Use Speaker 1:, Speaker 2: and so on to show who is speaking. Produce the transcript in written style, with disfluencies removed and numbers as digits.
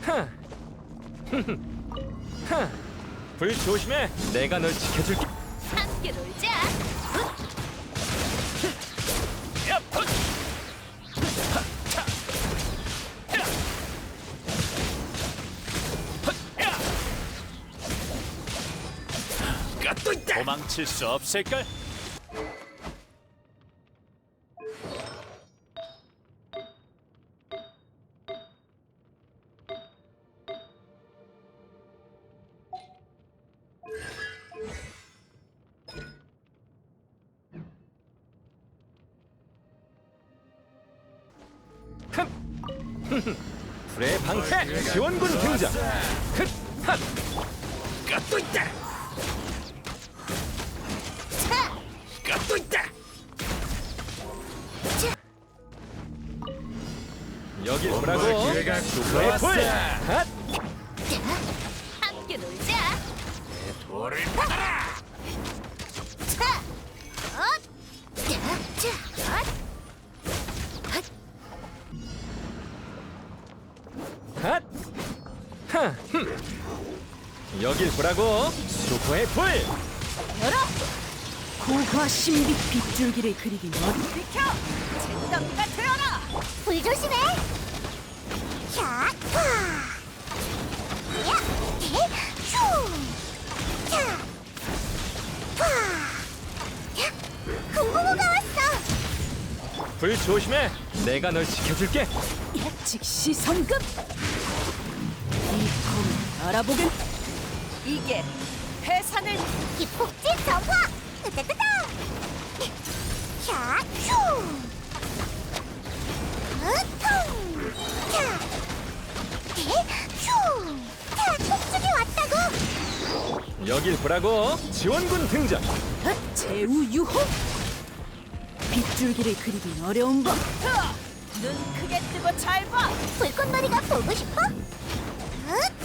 Speaker 1: 불 조심해. 내가 널 지켜줄게.
Speaker 2: 함께 놀자.
Speaker 1: 야, 풋! 또 있다. 도망칠 수 없을걸? 불의 방패 지원군 등장. 또 있다. 또 있다. 여기 오라고. 불의 불.
Speaker 2: 함께 놀자.
Speaker 1: 돌을 받아라. 여길 보라고. 수호의 불.
Speaker 2: 열어.
Speaker 3: 고화 신비 빗줄기를 그리긴 어려.
Speaker 2: 비켜. 젠장비가 되어라.
Speaker 4: 불 조심해. 자, 파. 야, 휴. 자, 파. 야, 금고무가 왔어.
Speaker 1: 불 조심해. 내가 널 지켜줄게.
Speaker 3: 즉시 성급. 이 검을 알아보긴.
Speaker 2: 이게 회산을
Speaker 4: 기폭제 정화. 뜨뜨뜨뜨. 자, 휴. 으통. 자, 휴. 자, 폭죽이 왔다고.
Speaker 1: 여길 보라고. 지원군 등장.
Speaker 3: 제우 유호. 빗줄기를 그리긴 어려운 법.
Speaker 2: 눈 크게 뜨고 잘 봐.
Speaker 4: 불꽃놀이가 보고 싶어?